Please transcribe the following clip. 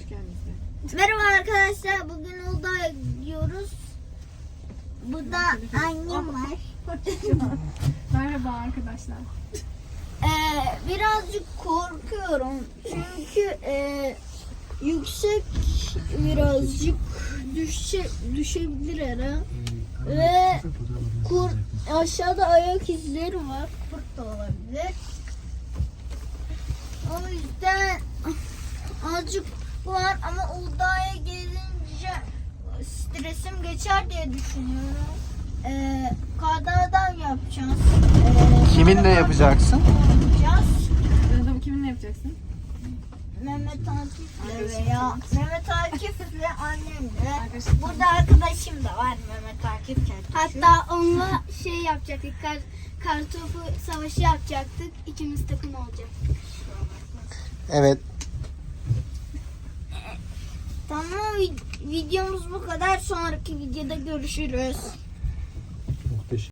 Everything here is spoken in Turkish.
geldiniz. Merhaba arkadaşlar. Bugün Uludağ'a gidiyoruz. Burada annem var. Merhaba arkadaşlar. Birazcık korkuyorum. Çünkü yüksek birazcık düşebilir ara. Ve aşağıda ayak izleri var. Kurt da olabilir. O yüzden azıcık var ama Uludağ'a gelince stresim geçer diye düşünüyorum. Kardan yapacağız. Kiminle yapacaksın? Yapacağız. Adamı kiminle yapacaksın? Mehmet Akif'le veya Mehmet Akif'le annemle. Arkadaşlar. Burada arkadaşım da var Mehmet Akif. Hatta onunla şey yapacaktık. Kartopu savaşı yapacaktık. İkimiz takım olacaktık. Evet. Tamam, videomuz bu kadar. Sonraki videoda görüşürüz.